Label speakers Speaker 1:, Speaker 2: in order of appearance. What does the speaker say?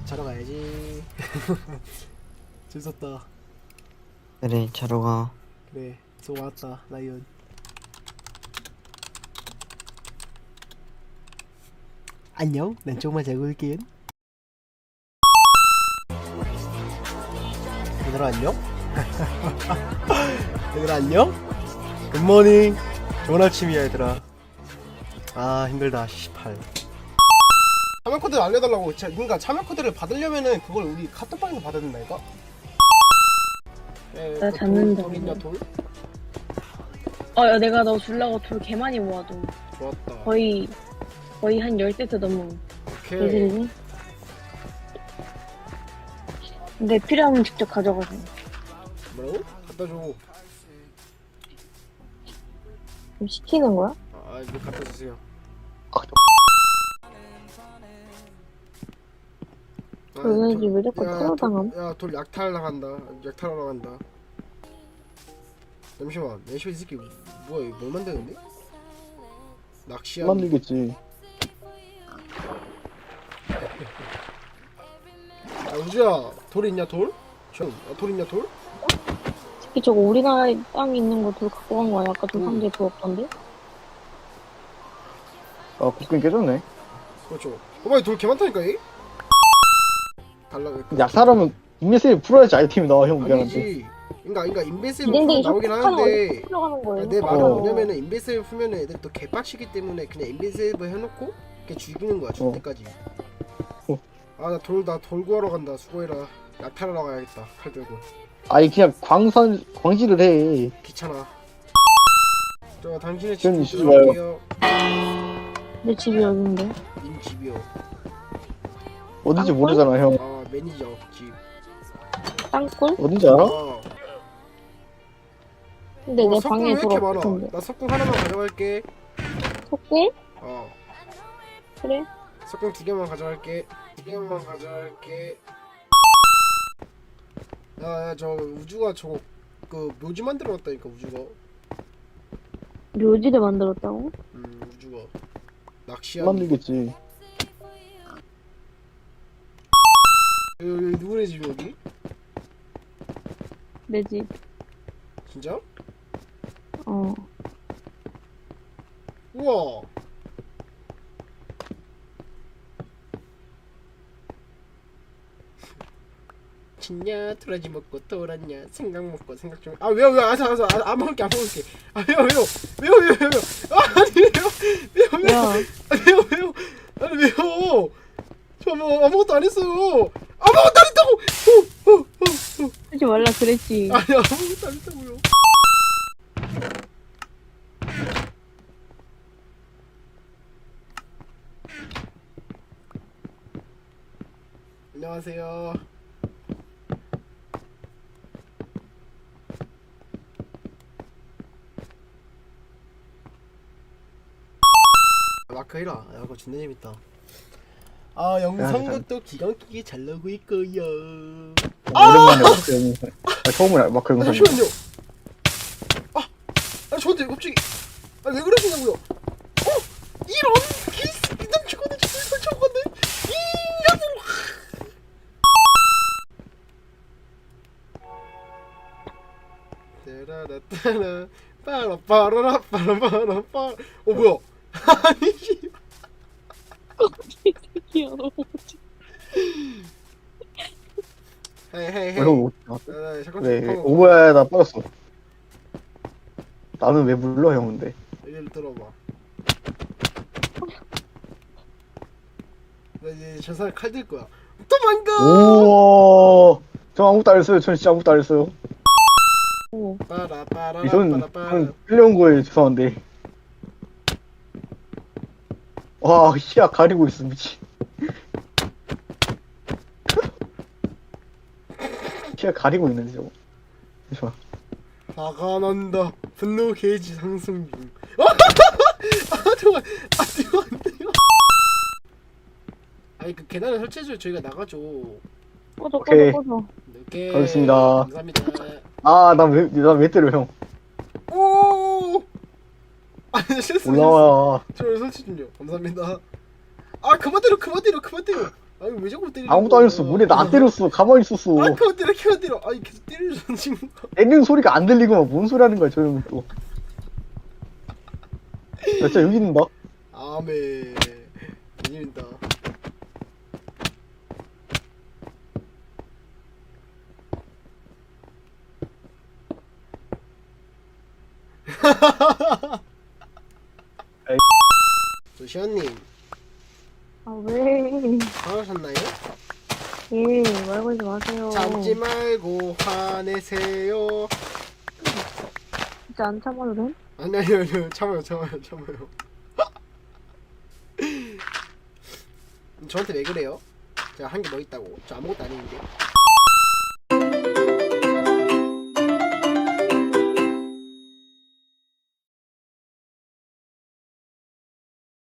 Speaker 1: 자러 가야지. 재밌었다.
Speaker 2: 그래 자러 가.
Speaker 1: 그래 수고 많았다 라이언. 안녕. 난 조금만 자고 올게. 얘들아 안녕? 얘들아 안녕? 굿모닝. 좋은 아침이야 얘들아. 아 힘들다 18. 참여 코드 알려달라고. 그러니까 참여 코드를 받으려면은 그걸 우리 카톡방에서 받아야 된다니까?
Speaker 3: 나 잡는다.
Speaker 1: 돌 있냐 돌?
Speaker 3: 야, 내가 너 주려고 돌 개 많이 모아도
Speaker 1: 좋았다.
Speaker 3: 거의 한 10세트 넘어.
Speaker 1: 오케이.
Speaker 3: 예술이니? 근데 필요하면 직접 가져가세요.
Speaker 1: 뭐라고? 갖다 줘.
Speaker 3: 그럼 시키는 거야?
Speaker 1: 아 이거 갖다 주세요.
Speaker 3: 왠지 왜 자꾸 토로당함?
Speaker 1: 야돌 약탈 나간다. 약탈하러 나간다. 잠시만. 내쇼 이 새끼 뭐야 이거 뭘 만드는데? 낚시하는.
Speaker 4: 만들겠지.
Speaker 1: 야 우주야 돌 있냐 돌? 돌 있냐 돌?
Speaker 3: 특히 저거 우리나라에 땅에 있는 거 돌 갖고 간 거야. 아까 돌
Speaker 1: 응.
Speaker 3: 상자에 돌 없던데?
Speaker 4: 아, 국경 깨졌네.
Speaker 1: 그렇죠. 어머 돌 개 많다니까 이? 달라고 했거든.
Speaker 4: 약사라면 인메시를 풀어야지 아이템이 나와, 형. 미안한데.
Speaker 1: 아니지. 그러니까 인베이스를
Speaker 3: 기댕댕이
Speaker 1: 나오긴
Speaker 3: 쇼핑하는
Speaker 1: 하는데
Speaker 3: 어디서 풀려가는 거예요?
Speaker 1: 내 말은
Speaker 4: 어.
Speaker 1: 뭐냐면은 인베이스를 풀면은 애들 또 개빡치기 때문에 그냥 인베이스를 해놓고 이렇게 죽이는 거야 죽을 때까지. 아 나 돌 구하러 간다. 수고해라. 약탈하러 가야겠다. 칼 들고.
Speaker 4: 아니, 그냥 광질을 해.
Speaker 1: 귀찮아. 저 당신의
Speaker 4: 전
Speaker 1: 집
Speaker 4: 이슈지 마요.
Speaker 1: 들어갈게요.
Speaker 3: 내 집이 어딘데?
Speaker 1: 님 집이요.
Speaker 4: 어딘지
Speaker 3: 땅굴?
Speaker 4: 모르잖아, 형.
Speaker 1: 아 매니저 집.
Speaker 3: 땅굴?
Speaker 4: 어딘지 알아?
Speaker 3: 근데 내
Speaker 1: 석궁
Speaker 3: 방에
Speaker 1: 왜
Speaker 3: 돌
Speaker 1: 이렇게 많아?
Speaker 3: 없던데.
Speaker 1: 나 석궁 하나만 가져갈게.
Speaker 3: 토끼?
Speaker 1: 어.
Speaker 3: 그래?
Speaker 1: 석궁 2개만 가져갈게. 2개만 가져갈게. 야, 저 우주가 저거 그 묘지 만들어놨다니까 우주가.
Speaker 3: 묘지를 만들었다고?
Speaker 1: 우주가 낚시하는.
Speaker 4: 만들겠지.
Speaker 1: 여기 누구네 집 여기?
Speaker 3: 내 집.
Speaker 1: 진짜?
Speaker 3: 어.
Speaker 1: 우와. 진냐 도라지 먹고 돌았냐 생각 먹고 생각 좀. 아 왜요 안 먹을게 아 왜요 아 아니 왜요
Speaker 3: 야,
Speaker 1: 아니 왜요 저 뭐 아무것도 안 했어요. 아무것도 안 했다고.
Speaker 3: 하지 말라 그랬지.
Speaker 1: 아니 아무것도 안 했다고요. 안녕하세요. 마크 해라. 야 그거 존나 재밌다. 아 영상도 기가 막히게 잘 나오고 있고요.
Speaker 4: 오랜만에 마크 영상. 처음으로 마크 영상.
Speaker 1: 잠시만요. 저한테 갑자기 왜 그러시냐고요? 이런 개새끼들 죽었네. 저기 설치하고갔네. 따라라따라 빠라빠라라 빠라빠라빠. 뭐야? 아니
Speaker 3: 새끼야, 너 뭐지?
Speaker 1: 헤이
Speaker 4: 형,
Speaker 1: 잠깐
Speaker 4: 그래. 오버야, 나 빠졌어. 나는 왜 불러, 형, 근데.
Speaker 1: 얘를 들어봐. 나 이제 저 사람 칼 들 거야. 도망가.
Speaker 4: 우와. 저 아무것도 안 했어요. 전 진짜 아무것도 안 했어요.
Speaker 3: 오.
Speaker 4: 전 끌려온 거에 죄송한데. 와, 시야 가리고 있어, 미치. 시야 가리고 있는데, 저거. 잠시만.
Speaker 1: 화가 난다. 분노 게이지 상승 중. 잠깐. 안 돼요. 아니 그 계단을 설치해줘. 저희가 나가죠.
Speaker 3: 꺼져.
Speaker 1: 오케이.
Speaker 4: 가겠습니다.
Speaker 1: 감사합니다.
Speaker 4: 아, 난 왜 때려, 형.
Speaker 1: 오. 아니 실수.
Speaker 4: 올라와.
Speaker 1: 저 설치 중요. 감사합니다. 아 그만 때려. 아니 왜 자꾸 때리는
Speaker 4: 아무도 안 했어. 문에 나 때렸어. 가만히 있었어.
Speaker 1: 아 그거 때려 아니 계속 때리는 지금
Speaker 4: 때리는 소리가 안 들리고만 뭔 소리 하는 거야, 저 형은 또. 야, 진짜 여기 있는다.
Speaker 1: 아메 개재밌다.
Speaker 4: 에이.
Speaker 1: 저 시연님
Speaker 3: 아, 왜?
Speaker 1: 화나셨나요?
Speaker 3: 예, 말 걸지 마세요.
Speaker 1: 참지 말고 화내세요.
Speaker 3: 진짜 안 참아도 돼?
Speaker 1: 아니요 참아요. 저한테 왜 그래요? 제가 한 게 뭐 있다고? 저 아무것도 아닌데.